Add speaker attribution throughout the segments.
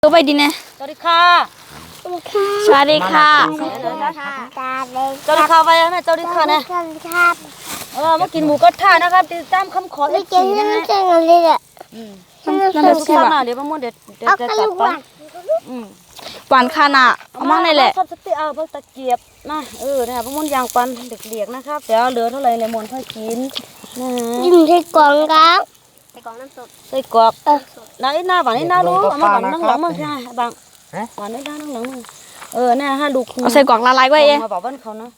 Speaker 1: ตัวไปดีนะ
Speaker 2: สวัสดีค่ะ
Speaker 1: สวัสดีค่ะ
Speaker 2: สวัสดีค่ะไปแล้วนะสวัสดีค่ะนะมากินหมูกระทะนะครับติดตามคำขอเอฟซีนะฮะ
Speaker 1: นั่นเป็นสิวะ
Speaker 2: เดี๋ยวมะม่วงเดี๋ยวจะจับไป
Speaker 1: หวานขนาดเอามาในแหละ
Speaker 2: ซับสติเอาเพิ่งตะเกียบนะนะครับมะม่วงยางปันเด็กๆนะครับเดี๋ยวเหลือเท่าไหร่ในมนค่อยกินนะ
Speaker 3: กินใส่กล่องครับใส่กล่องน้ำสด
Speaker 2: ใส่กรอบไหนหน้าหวานนี่หน้ารู้เอามาหวานนั่งหลังมึงใช่ไหมบังหวานนี่หน้านั่งหลังมึงเนี่ยฮะลูก
Speaker 1: เอาใส่กล่องละลายไว้เอง
Speaker 2: มาบอกบ้านเขาเนาะ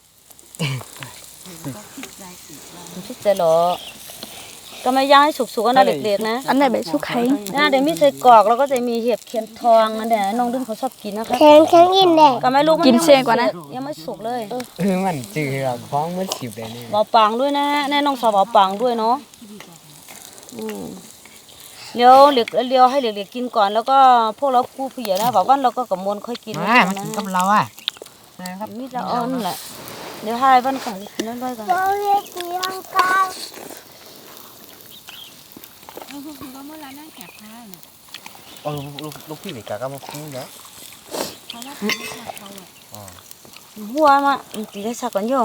Speaker 2: ชิดใจหรอก็ไม่ย่างให้สุกๆนะเด็กๆนะ
Speaker 1: อันไหนแบบชุกไข่
Speaker 2: เดี๋ยวมีใส่กรอกแล้วก็จะมีเห็บเข็มทองนั่นแหละน้องดึงเขาชอบกินนะคะ
Speaker 3: แข็งกินแดง
Speaker 2: ก็ไม่รู้
Speaker 1: กินเสียกว่านะ
Speaker 2: ยังไม่สุกเลย
Speaker 4: มันจืดคล้องมันสิบเลยเนี่ย
Speaker 2: เบาปังด้วยนะแน่น้องสาวเบาปังด้วยเนาะเลี้ยวให้เด็กๆกินก่อนแล้วก็พวกเราผู้ใหญ่นะบอกว่าเราก็กับมวลค่อยกิน
Speaker 4: มากินกับเรา
Speaker 2: นะครับนี่จะอ้อนแหละเดี๋ยวให้บ้านของกินนั่นด้วยกัน
Speaker 3: เราเรียกเสียงกัน
Speaker 4: ลูกพี่ไปกับมาคุ้งเยอะ
Speaker 2: หัวมาตีได้สักก่อนโย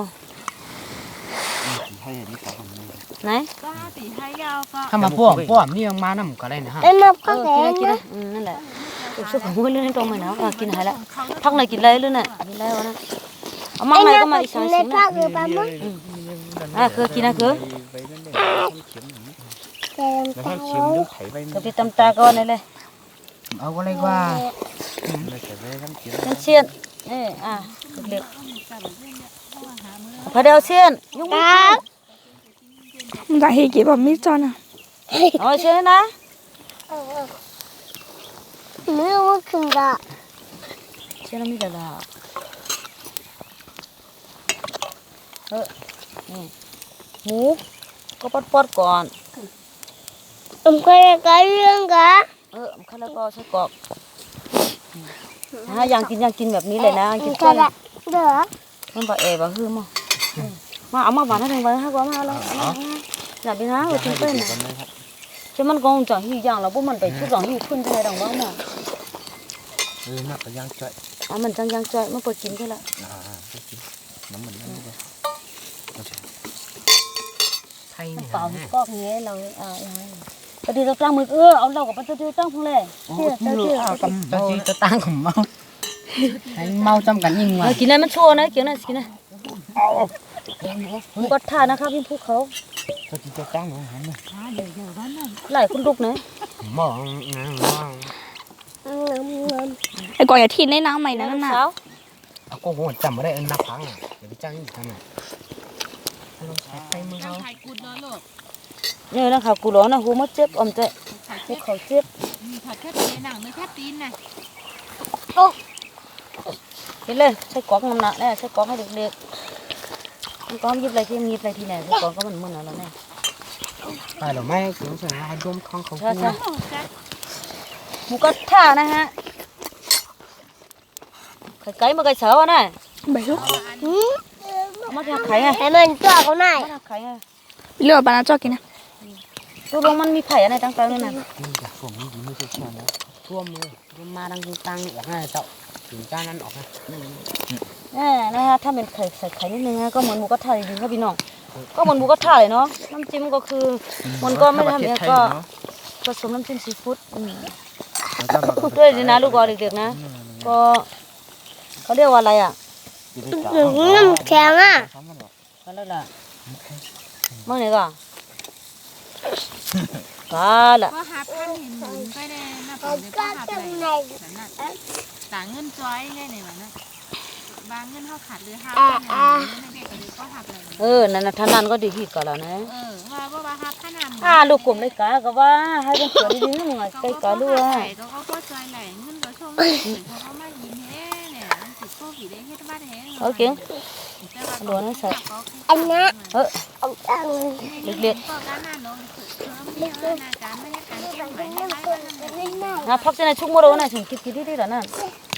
Speaker 2: ไหน
Speaker 4: ถ้ามาพ่วงนี่ยังมาน้ำก็ได้นะฮะ
Speaker 3: เป็นมาก็แข็ง
Speaker 2: กินนั่นแหละสุกของมือเรื่องนี้ตรงไหนเนาะกินหายแล้วพักไหนกินไรเรื่องน่ะกินไรวะนะเอามาไหนก็มาอีกสองสิ่งนะคือกินนะคือกับพี่ตำตาก่อนเลย
Speaker 4: เอาอะไรกว่า
Speaker 2: เชียนเด็กพอเดียวเชียนยุ่ง
Speaker 1: มันจะเฮกี่แบบมิจอนอ่ะ
Speaker 2: เชียนนะ
Speaker 3: ไม่รู้ขึ้นละ
Speaker 2: เชียนมีแต่ละนี่หมูก็ปอดก่อน
Speaker 3: ก็เลยเรื่องกัน
Speaker 2: ข้าวแล้วก็ใส่กรอกยังกินแบบนี้เลยนะกินเพื่อน
Speaker 3: เด้อ
Speaker 2: มันบะบะฮือมาเอามาหวานให้ถึงไปให้กว่ามาแล้วอยากดีนะกินเป็นchứมันcòn chẳng hiểu rằng là bố mình phải chút rằng hiểu khuyên thế này đồng bóng mà
Speaker 4: nó phải giang chạy
Speaker 2: mình giang chạy mới phải chín thế lại
Speaker 4: nó mình
Speaker 2: thay bảo có nghe là cái đi tao trang mực ông đâu có bắt tôi trang không lẽ
Speaker 4: tao tăng không mau mau trong cảnh nhìn mà
Speaker 2: cái nàyมันchua đấy kiểu này có thà nó khác bên phúc khấu
Speaker 4: tao tăng nữa
Speaker 2: lại con đục này
Speaker 1: ไอ้กล่องอย่าทิ้งในน้ำใหม่นะนั่นน่ะ
Speaker 4: ก็หัวจำไม่ได้นับพังเดี๋ยวไปจ้างอีกทำไม
Speaker 2: นี่นะค่ะกูร้อนนะหูมัดเจ็บเจ็บหูเขาเจ็บ
Speaker 5: ผัดแค่ตีนหนังไม่แค่ตีนนะ
Speaker 2: กินเลยใช้กรอกมันหนักแน่ใช้กรอกให้เด็กๆมันก็ยิบอะไรที่ไหนใช้กรอกก็มันมึนแล้วแน่
Speaker 4: แต่เราไม่ถึงจะให้ร่วมข้องเขา
Speaker 2: ใช่หมูกระทะนะฮะไก่มาไก่เสาอ่ะ
Speaker 1: ใบลูก
Speaker 2: มาทำไข่ไง
Speaker 3: ให้มันจ่อเขาหน่อย
Speaker 2: มาทำไข่ไง
Speaker 1: เลือกบานาจอกินนะ
Speaker 2: ตัวลงมันมีไข่อะไรต่างๆเลยนะ
Speaker 4: ผมไม่ใช่ช่วงนะท่วมเลยมาดังตังออกให้เจ้าถึงจ้านั้นออกนะ
Speaker 2: นะฮะถ้าเป็นไข่ใส่ไข่นิดนึงนะก็เหมือนหมูกระทะจริงๆครับพี่น้องก็เหมือนหมูกระทะเลยเนาะน้ำจิ้มก็คือมันก็ไม่ทำเองก็ผสมน้ำจิ้มซีฟู้ดด้วยดีนะลูกบอลเด็กๆนะก็เขาเรียกว่าอะไรอ่ะ
Speaker 3: น้ำแข็งอ่ะ
Speaker 2: ก็แล้วล่ะมั่งไหนก็ล่ะ
Speaker 5: ก็หับท่านเห็นหมุนไปเลยนะผมก็หับเลยต่างเงินจ้อยเลยเนี่ยนะบางเงินเขาขาดหรือหับเด็กก็หับเลย
Speaker 2: นั่นนะท่านนั้นก็ดีที่ก่อนแล้วนะ
Speaker 5: ว่าหับขนาด
Speaker 2: ลูกกลุ่มเลยกะก็ว่าให้เป็นส่วนดีๆหน่อยใกล้กะด้วย
Speaker 5: เขาก็จ้อยไหลเงินก็ชงเขามายิ้มเฮ้เนี่ยติดโควิดได้แค่บ้านเฮ้
Speaker 2: โอเคหลวงนั่นใส่
Speaker 3: อันนี้
Speaker 2: เล็กๆพักจะในชุกโมโรนะถึงคิดที่แล้วนั่น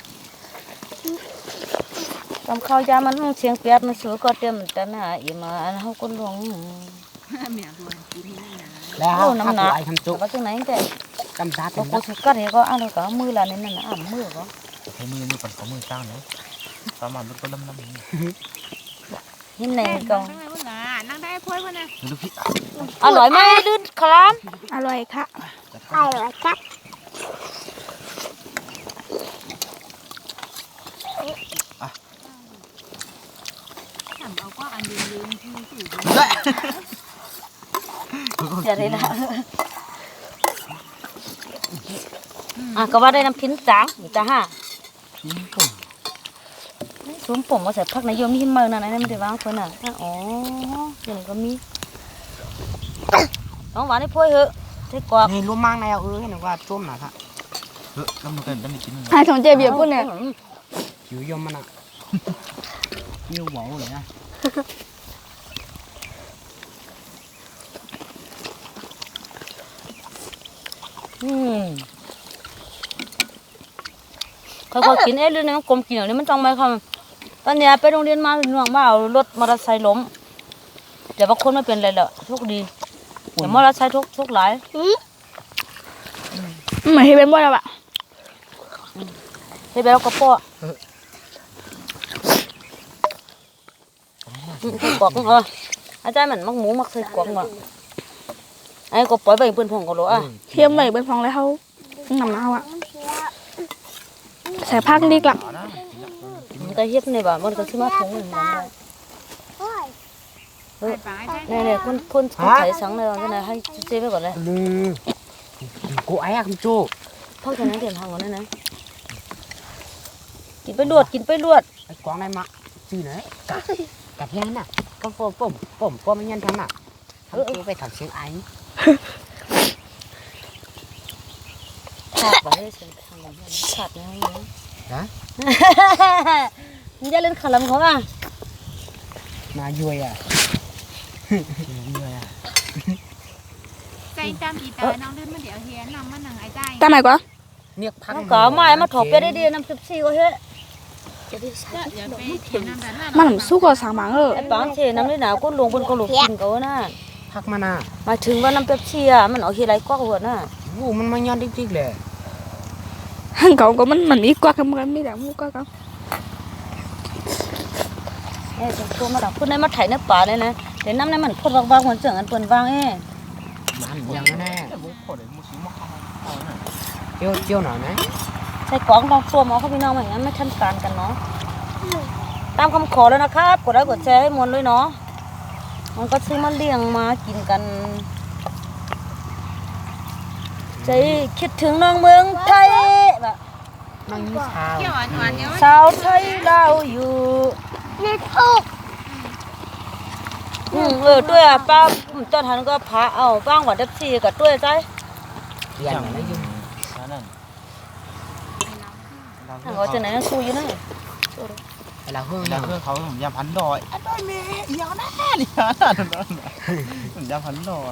Speaker 2: ทำข้าวยามันเชียงเปียกมันสวยก็เตรียมแต่น่ะอีมาเขาคนหลวง
Speaker 4: แล้วน้ำหนักไอ้ทำจุ
Speaker 2: ว่าจังไหนแก
Speaker 4: จำตา
Speaker 2: ก็
Speaker 4: เต็ม
Speaker 2: กูสิกัดก็เอาแล้วก็มือละนี่นั่นน่ะมือก็
Speaker 6: ใช้มือก่อนเขามือสร้างเนาะประมาณมันก็ลำนี่
Speaker 2: หินไหนก็
Speaker 5: นั่งได้พุ่นล่ะนั่งได้พ้วยพุ่นน่ะ
Speaker 6: ดูพี่
Speaker 2: อร่อยไหมดื้อคลาม
Speaker 1: อร่อยค่ะ
Speaker 3: ไอ้วะครับ
Speaker 5: ถามเอาก็อันยืนที่สูง
Speaker 2: จะได้ละก็ว่าได้น้ำพิ้นจางอยู่จ้าฮะ
Speaker 6: ยิ้มปุ่ม
Speaker 2: ซุ้มผมมาใส่ผักนายมหิมเมืองนั่นไม่ได้วางคนน่ะอ๋ออย่างนี้ก็มีน้องหวานให้พ่อยเหอะใส่กวาด
Speaker 4: นี่รู้มั่งในเอาเห็นว่าต้มหน่ะค่ะ
Speaker 6: แล้วมันก็ได้กิน
Speaker 1: ไอ้ของเจเบียร์พูดเนี่ย
Speaker 4: หิวยมมันอ่ะหิวหวาวเลยนะ
Speaker 2: ค่อยๆกินเรื่องนี้มันกลมกินอย่างนี้มันจังไหมครับตอนเนี้ยไปโรงเรียนมาหน่วงว่าเอารถมอเตอร์ไซค์ล้มแต่บางคนไม่เป็นไรแล้วโชคดีแต่มอเตอร์ไซค์ทุกหลาย
Speaker 1: เหมือนที่เป็นบ่อยแล้วอะ
Speaker 2: เฮ้ยไปแล้วก็ป้อใส่กรอกอาจารย์มันมักหมูมักใส่กรอกว่ะไอ้ก็ปล่อยไปเพื่อนพงก็รู้อ่ะ
Speaker 1: เทียมไปเป็นฟองแล้วเขาหนำเอาอะใส่ผักดีกลับ
Speaker 2: มันก็เฮ็ดในบ้านมันก็สิมาถุงนึงได้
Speaker 5: ไปไปใช่
Speaker 2: เนี่ยคนไถสังเลยว่าเนี่ยให้เจ๊ไปก่อนเลย
Speaker 4: ลืมกูไอ้อะคุณจู
Speaker 2: พ่อจะนั่งเตียนทางก่อนนะกินไปลวด
Speaker 4: ไอ้กวางในมะชื่อไหนกะแพงน่ะก็ป้อมไม่ยันทำน่ะทำตัวไปทำเสียงไอ้
Speaker 2: ขาดไปให้เสียงทางก่อนขาดนะมึงจะเล่นขลังเขาอ่ะ
Speaker 4: มาย่วยอ่ะ
Speaker 5: ใจจำอีตาน้องเดินมาเดี๋ยวเฮียนำมาหนังไอ้ใจ
Speaker 1: ตามไหนกว่า
Speaker 4: เนี่ยพัก
Speaker 2: น้องก็มามาถอดไปได้ดีน้ำ14ก็เฮ้ย
Speaker 5: เดี๋ยวไปเขียนน้ำดันน่ะ
Speaker 1: มันหนำสู้กับสางหมังเออ
Speaker 2: ไอ้ปังเชน้ำได้หนาวก็ลงบนกระโหลกกินเขาน่ะ
Speaker 4: พักมาน่ะ
Speaker 2: มาถึงว่าน้ำ14อ่ะมันเอาทีไรก็หัวน่ะ
Speaker 4: วูมันมายันจริงๆเลย
Speaker 1: หังเก่าก็มันมีกว่ากันมันมีแต่มูกว่ากัน
Speaker 2: เอ้ตัวมาดักพุ่นในมาไถในป่าเลยนะเดี๋ยวน้ำในมันพดวางหัวเจืองอันเปิ้นวางเอ้
Speaker 4: มันยังแน่
Speaker 6: มุกพอเลยมุกสีมุก
Speaker 4: เจียวหน่อยไหม
Speaker 2: ใส่กล่องลองตัวหมอเขาพี่น้องอย่างนั้นไม่ทันการกันเนาะตามคำขอแล้วนะครับกดไลค์กดแชร์ให้มวลด้วยเนาะมันก็ซื้อมาเลี้ยงมากินกันใจคิดถึงน้องเมืองไทยแบบ
Speaker 4: นั่งเช้า
Speaker 5: เกี่ยวหวานเดี๋ยว
Speaker 2: สาวไทยเราอยู่
Speaker 3: นี่ทุก
Speaker 2: ด้วยอ่ะป้าตอนทันก็พาเอาบ้างหวัดเด็บซีกับด้วยใจ
Speaker 4: อย่างนั้นยุ่ง
Speaker 6: นั่น
Speaker 2: ทางเขาจะไหนนั่นสู้อยู่นั่น
Speaker 4: ไอ้เราเฮือง
Speaker 6: แล้ว
Speaker 4: เรา
Speaker 6: เพื่อนเขาผมยำพันดอยอันนั้นแม่ยาวแน่เลยผมยำพันดอย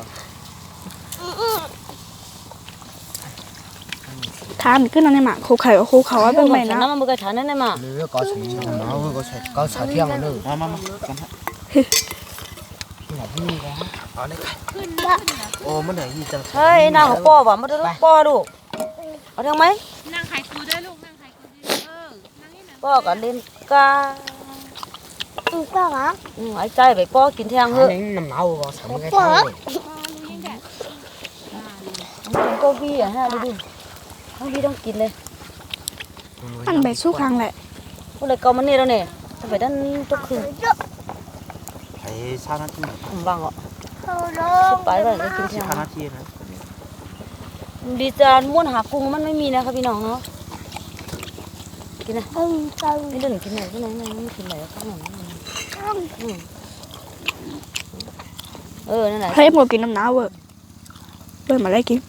Speaker 1: ทานขึ้นนั่นในหมาคูไข่คูเขาว่าเป็นใบนะ
Speaker 2: น้ำมันก็ฐานนั่นแหละมา
Speaker 4: หรือก็ใช้เอาก็ใช้ก็ใช้เที่ยงกันเลย
Speaker 6: มากันฮะ
Speaker 4: หลับนี่แล้ว
Speaker 6: เอาเลย
Speaker 5: ขึ้นนะ
Speaker 6: โอ้มันไหนยี่จัง
Speaker 2: เฮ้ยนางของป้อว่ะมาดูป้อดูเอาทางไหม
Speaker 5: นั่งไข่กูด้วยลูกนั่งไข่กูด้วยนั่งนี่นะ
Speaker 2: ป้อกับเล่นกา
Speaker 3: อีกก็เหรอ
Speaker 2: หายใจไปป้อกินแทงเถ
Speaker 4: อั
Speaker 2: อะ
Speaker 4: นนี้น้ำเอาก็สามกันเท่าเลย
Speaker 5: รู้ยังแก
Speaker 2: กินก็วี่อ่ะฮะดูทั้งวี่ต้องกินเลย
Speaker 1: มันใบสู้ครั้งแหละ
Speaker 2: พวกเลยเกามันนี่แล้วเนี่ยถ้าไปด้านทุกคืน
Speaker 6: ไอ้ชานาที
Speaker 2: ผมบางอ่ะ
Speaker 3: เขาลง
Speaker 2: ไปไปกินแทง
Speaker 6: ชานาทีนะ
Speaker 2: ดีจานม้วนหากุ้งมันไม่มีนะครับพี่น้องเนาะกินนะ
Speaker 3: จัง
Speaker 2: ไม่เดินกินไหนที่ไหนไม่กินไหนข้างหลังนั่นแหละ
Speaker 1: ให้หมดกินน้ำหนาวเว้ยเว้ยมาได้กิน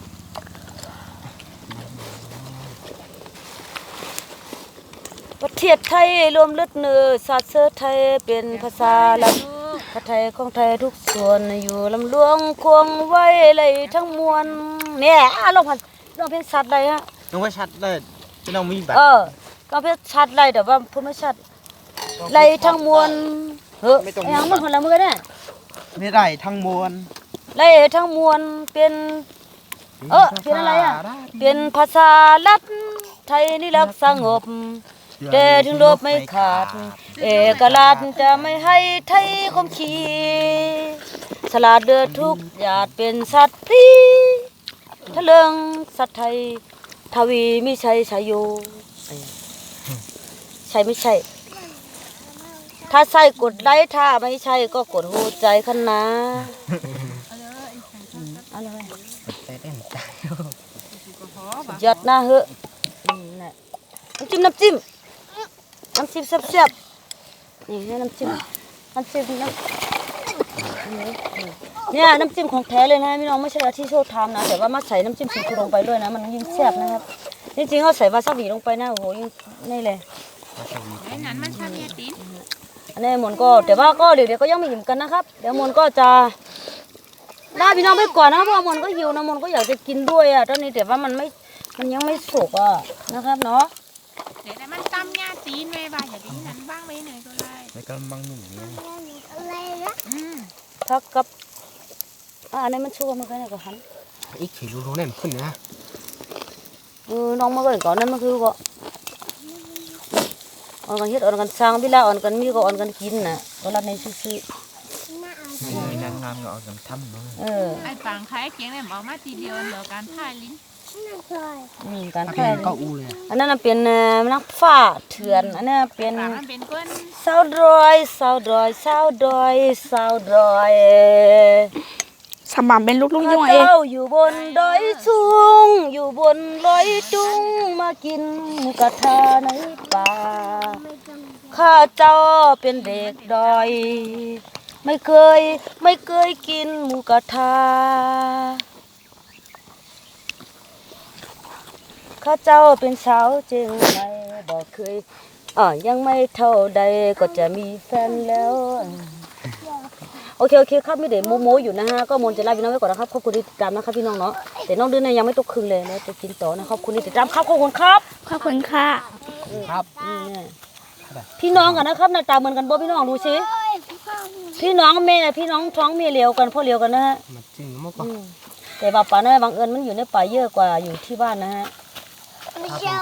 Speaker 2: ประเทศไทยรวมเลือดเนื้อศาสตร์เสื้อไทยเป็นภาษาหลักพระไทยของไทยทุกส่วนอยู่ลำลวงควงไว้เลยทั้งมวลเนี่ยลองเพลงชัดเลยฮะ
Speaker 6: น้องว่าชัดเลยจะน้องมีแบบ
Speaker 2: ลองเพลงชัดเลยแต่ว่าพูดไม่ชัดเลยทั้งมวลยังมันคนละมือเนี่ย
Speaker 6: ไม่ได้ทั้งมวล
Speaker 2: เลยทั้งมวลเป็นเปลี่ยนอะไรอ่ะเปลี่ยนภาษาลัดไทยนี่รักสงบแต่ถึงลบไม่ขาดเอกราชจะไม่ให้ไทยคมขีสลาดเดือดทุกหยาดเป็นสัตว์พรีทะเลิงสัตว์ไทยทวีไม่ใช่ชายโยใช่ไม่ใช่ถ้าใช่กดไลค์ถ้าไม่ใช่ก็กดหัวใจคันนะอะไร
Speaker 4: แต่ได้ตาย
Speaker 2: ยอดหน้าเหอะน่ะน้ำจิ้มแซ่บๆนี่ให้น้ำจิ้มเนี่ยน้ำจิ้มของแท้เลยนะพี่น้องไม่ใช่ที่โชว์ทำนะแต่ว่ามาใส่น้ำจิ้มซีฟู้ดลงไปด้วยนะมันยิ่งแซ่บนะครับจริงๆเขาใส่วาซาบิลงไปนะโอ้โหยิ่งนี่เลย
Speaker 5: ไอ้นั้นมันชาเมียตีน
Speaker 2: อันนี้มนก็แต่ว่าก็เดี๋ยวก็ยังไม่อิ่มกันนะครับเดี๋ยวมนก็จะลาพี่น้องไปก่อนนะเพราะมนก็หิวนะมนก็อยากจะกินด้วยอ่ะตอนนี้แต่ว่ามันยังไม่สุกอ่ะนะครับเนาะ
Speaker 5: เดี๋ยวมันตำยาตีนไว้บ่าอย่าดีนั้นบ้างไว้หน่อยก็ได้
Speaker 6: ในกระมังหนุ่มเนี่ย
Speaker 2: พักกับอันนี้มันชั่วมันแค่ไหนก็หัน
Speaker 4: อีกขี่รู้แน่ขึ้นนะ
Speaker 2: น้องมาก็ก่อนนั้นมันคือก็อ่อนกันเฮ็ดอ่อนกันสร้างเวลาอ่อนกันมีก็อ่อนกันกินน่ะก็รับในซื่อ
Speaker 6: มีนางงามก็เอากันทำเนาะ
Speaker 5: ไอ้ปังไข่เกียงเนี่ยเอามาทีเดียวเหลือการท่ายลิ้น
Speaker 2: การ
Speaker 4: ถ้า
Speaker 2: แพ้
Speaker 4: เป็นก็อูเลย
Speaker 2: อันนั้นเป็นนักฟ้าเถื่อนอันนี้เป็น
Speaker 5: ปังมันเป็นก้น
Speaker 2: สาวดอย
Speaker 1: สมามเป็นลูกลุง
Speaker 2: ข้า
Speaker 1: ยุ่งเอง
Speaker 2: เจ้าอยู่บนดอยสูงอยู่บนลอยจุงมากินหมูกระทะในป่าข้าเจ้าเป็นเด็กดอยไม่เคยกินหมูกระทะข้าเจ้าเป็นสาวเจียงใหม่บอกเคยยังไม่เท่าใดก็จะมีแฟนแล้วโอเคครับไม่เดี๋ยวโมอยู่นะฮะก็มนจะลาพี่น้องไว้ก่อนนะครับขอบคุณที่ติดตามนะครับพี่น้องเนาะแต่น้องเดือนเนี่ยยังไม่ตกคืนเลยนะจะกินต่อนะขอบคุณที่ติดตามครับขอบคุณครับ
Speaker 1: ขอบคุณค่ะ
Speaker 4: ครับ
Speaker 2: พี่น้องกันนะครับหน้าตาเหมือนกันบ่พี่น้องดูสิพี่น้องแม่พี่น้องท้องเมียเลียวกันพ่อเลียวกันนะฮะ
Speaker 4: มันจริงมั้งก็
Speaker 2: แต่ว่าป่าน้อยบางเอิญมันอยู่ในป่าเยอะกว่าอยู่ที่บ้านนะฮะ
Speaker 3: ไม่ใช่